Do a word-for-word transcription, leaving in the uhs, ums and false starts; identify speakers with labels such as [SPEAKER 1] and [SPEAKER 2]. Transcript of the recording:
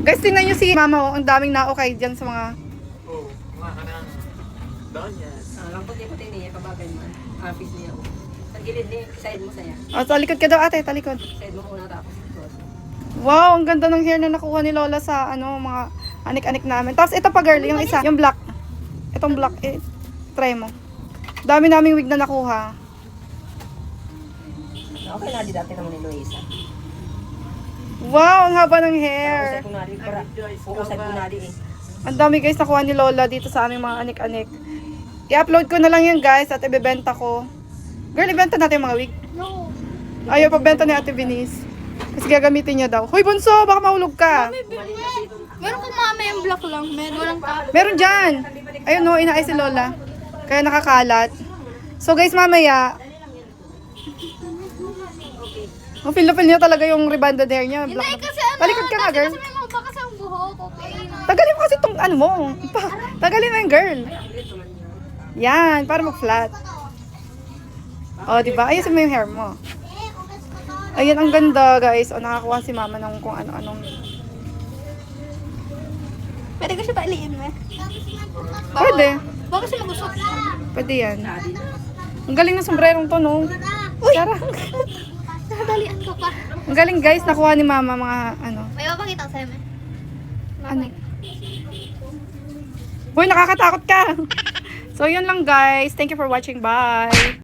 [SPEAKER 1] Guys, tingnan nyo si mama, oh. Ang daming naokay dyan sa mga...
[SPEAKER 2] Oo, mga ka ng donyas.
[SPEAKER 3] Ah, ang puti-puti niya, kabagay mo. Office niya. oh. Sa gilid niya, side mo saya.
[SPEAKER 1] Oh, talikod ka daw ate, talikod.
[SPEAKER 3] Side mo muna tapos. likod.
[SPEAKER 1] Wow, ang ganda ng hair na nakuha ni Lola sa ano, mga anik-anik namin. Tapos ito pa girl, yung isa, yung black. Itong black, eh, try mo. Dami naming wig na nakuha.
[SPEAKER 3] Okay na, di dati naman ni Luisa.
[SPEAKER 1] Wow, ang haba ng
[SPEAKER 3] Usay
[SPEAKER 1] hair.
[SPEAKER 3] ko na rin, para. Uusay ko na rin eh.
[SPEAKER 1] Ang dami guys nakuha ni Lola dito sa aming mga anik-anik. I-upload ko na lang yan guys at ibebenta ko. Girl, ibenta natin yung mga wig.
[SPEAKER 4] No.
[SPEAKER 1] Ayaw, pagbenta ni Ate Venice. Kasi gagamitin niya daw. Hoy, bunso, baka mahulog ka.
[SPEAKER 4] Meron kong mama yung block lang. Meron walang top.
[SPEAKER 1] Meron dyan. Ayun no, inaay si Lola. Kaya nakakalat. So guys, mamaya. Oh, feel na feel niya talaga yung rebanded hair niya.
[SPEAKER 4] Hindi,
[SPEAKER 1] Black.
[SPEAKER 4] kasi ano.
[SPEAKER 1] Talikod ka nga, girl.
[SPEAKER 4] Kasi may mga bakas ang buhok. Okay.
[SPEAKER 1] Tagalin mo kasi itong ano mo. Ipa, tagalin mo yung girl. Yan, para mag-flat. Oh, di ba? Ayusin mo yung hair mo. Ayan, ang ganda, guys. O, nakakuha si mama ng kung ano-anong.
[SPEAKER 4] Pwede ko siya pailiin mo.
[SPEAKER 1] Pwede.
[SPEAKER 4] Baka siya magusok.
[SPEAKER 1] Pwede yan. Ang galing ng sombrerong to, no? Uy! Sarang.
[SPEAKER 4] Nakadalian ko pa.
[SPEAKER 1] Ang galing, guys. Nakuha ni mama mga ano.
[SPEAKER 4] May mapakita ko sa'yo, me.
[SPEAKER 1] Ano? Uy, nakakatakot ka. So, yun lang, guys. Thank you for watching. Bye!